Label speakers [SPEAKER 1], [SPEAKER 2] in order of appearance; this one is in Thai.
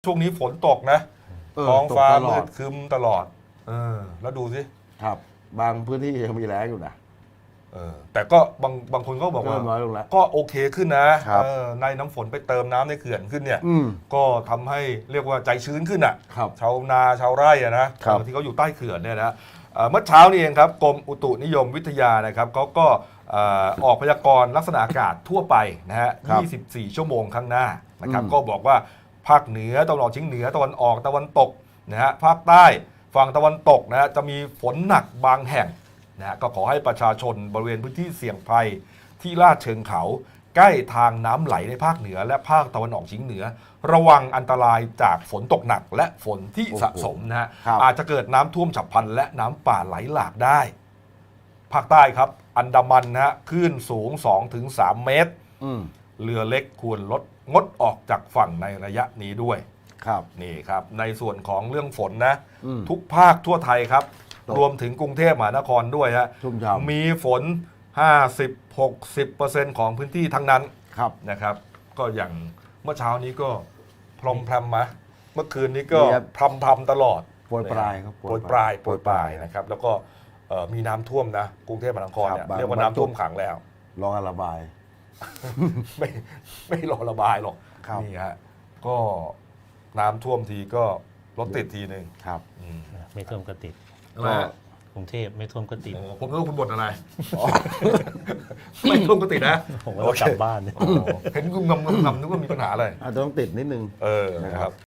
[SPEAKER 1] ช่วงนี้ฝนตกนะท้องฟ้า
[SPEAKER 2] ตกตล
[SPEAKER 1] มื
[SPEAKER 2] อด
[SPEAKER 1] ดครึ้มตลอดแล้วดูสิ
[SPEAKER 2] ครับ บางพื้นที่ยังมีแล้งอยู่นะ
[SPEAKER 1] แต่ก็บางคนก็บอกว่า
[SPEAKER 2] เริ่มน้อยลงแล้ว
[SPEAKER 1] ก็โอเคขึ้นนะครับ ในน้ำฝนไปเติมน้ำในเขื่อนขึ้นเนี่ย
[SPEAKER 2] อืม
[SPEAKER 1] ก็ทำให้เรียกว่าใจชื้นขึ้นอ่ะ
[SPEAKER 2] ครับ
[SPEAKER 1] ชาวนาชาวไร่อะนะครับ ที่เขาอยู่ใต้เขื่อนเนี่ยนะเมื่อเช้านี้เองครับกรมอุตุนิยมวิทยานะครับเขาก็ออกพยากรณ์ลักษณะอากาศทั่วไปนะฮะ
[SPEAKER 2] ครับ
[SPEAKER 1] 24 ชั่วโมงข้างหน้านะครับ
[SPEAKER 2] อืม
[SPEAKER 1] ก็บอกว่าภาคเหนือตะวันออกเฉียงเหนือตะวันออกตะวันตกนะฮะภาคใต้ฝั่งตะวันตกนะฮะจะมีฝนหนักบางแห่งนะฮะก็ขอให้ประชาชนบริเวณพื้นที่เสี่ยงภัยที่ลาดเชิงเขาใกล้ทางน้ำไหลในภาคเหนือและภาคตะวันออกเฉียงเหนือ ระวังอันตรายจากฝนตกหนักและฝนที่สะสมนะฮะ
[SPEAKER 2] ครับ
[SPEAKER 1] อาจจะเกิดน้ำท่วมฉับพลันและน้ำป่าไหลหลากได้ ภาคใต้ครับอันดามันนะฮะคลื่นสูง 2-3 เมตร
[SPEAKER 2] อืม
[SPEAKER 1] เรือเล็กควรงดออกจากฝั่งในระยะนี้ด้วย
[SPEAKER 2] ครับ
[SPEAKER 1] นี่ครับในส่วนของเรื่องฝนนะ
[SPEAKER 2] อืม
[SPEAKER 1] ทุกภาคทั่วไทยครับ
[SPEAKER 2] ตก
[SPEAKER 1] รวมถึงกรุงเทพมหานครด้วยฮะ
[SPEAKER 2] ชุ่มฉ่ำ
[SPEAKER 1] มีฝน 50-60% ของพื้นที่ทั้งนั้น
[SPEAKER 2] ครับ
[SPEAKER 1] นะครับ ก็อย่างเมื่อเช้านี้ก็พรมพรำมาเมื่อคืนนี้ก็
[SPEAKER 2] มีครับ
[SPEAKER 1] พรำตลอด
[SPEAKER 2] โปรยปลายครับ
[SPEAKER 1] โปรยปลายนะครับ แล้วก็มีน้ำท่วมนะกรุงเทพมหานครเนี่ย
[SPEAKER 2] ครับ
[SPEAKER 1] เรียกว่าน้ำท่วมขังแล้ว
[SPEAKER 2] รอการระบาย
[SPEAKER 1] ไม่รอระบายหรอก
[SPEAKER 2] ครับ
[SPEAKER 1] นี่ฮะก็น้ำท่วมทีก็รถติดทีหนึ่ง
[SPEAKER 2] ครับ
[SPEAKER 3] ไม่ท่วมก็ติด
[SPEAKER 1] นะฮะ
[SPEAKER 3] กรุงเทพไม่ท่วมก็ติด
[SPEAKER 1] โอ้ผมนึกว่าคุณบ่นอะไร ไม่ท่วมก็ติดนะ
[SPEAKER 3] ผมก็ต้องกลับบ้าน
[SPEAKER 1] โอ้เห็นคุณงำนึกว่ามีปัญหาอะไร
[SPEAKER 2] อาจจะต้องติดนิดนึง
[SPEAKER 1] นะครับ